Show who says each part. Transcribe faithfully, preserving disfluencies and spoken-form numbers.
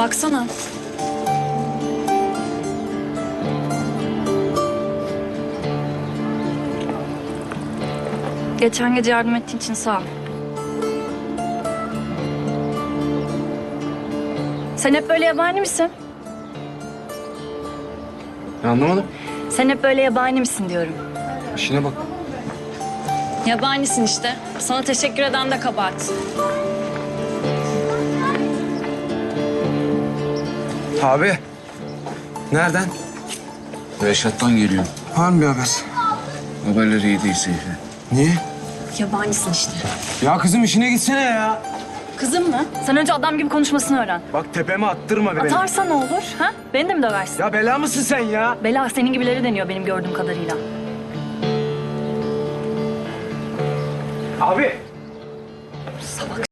Speaker 1: Baksana. Geçen gece yardım ettiğin için sağ ol. Sen hep böyle yabani misin?
Speaker 2: Ya anlamadım.
Speaker 1: Sen hep böyle yabani misin diyorum.
Speaker 2: İşine bak.
Speaker 1: Yabanisin işte. Sana teşekkür eden de kabahat.
Speaker 2: Abi. Nereden?
Speaker 3: Reşat'tan geliyor.
Speaker 2: Var mı bir haber?
Speaker 3: Haberleri iyi değil Seyfi.
Speaker 2: Niye?
Speaker 1: Yabanisin işte.
Speaker 2: Ya kızım işine gitsene ya.
Speaker 1: Kızım mı? Sen önce adam gibi konuşmasını öğren.
Speaker 2: Bak tepeme attırma be beni.
Speaker 1: Atarsa ne olur? Ha? Beni de mi döversin?
Speaker 2: Ya bela mısın sen ya?
Speaker 1: Bela senin gibileri deniyor benim gördüğüm kadarıyla.
Speaker 2: Abi.
Speaker 1: Salak.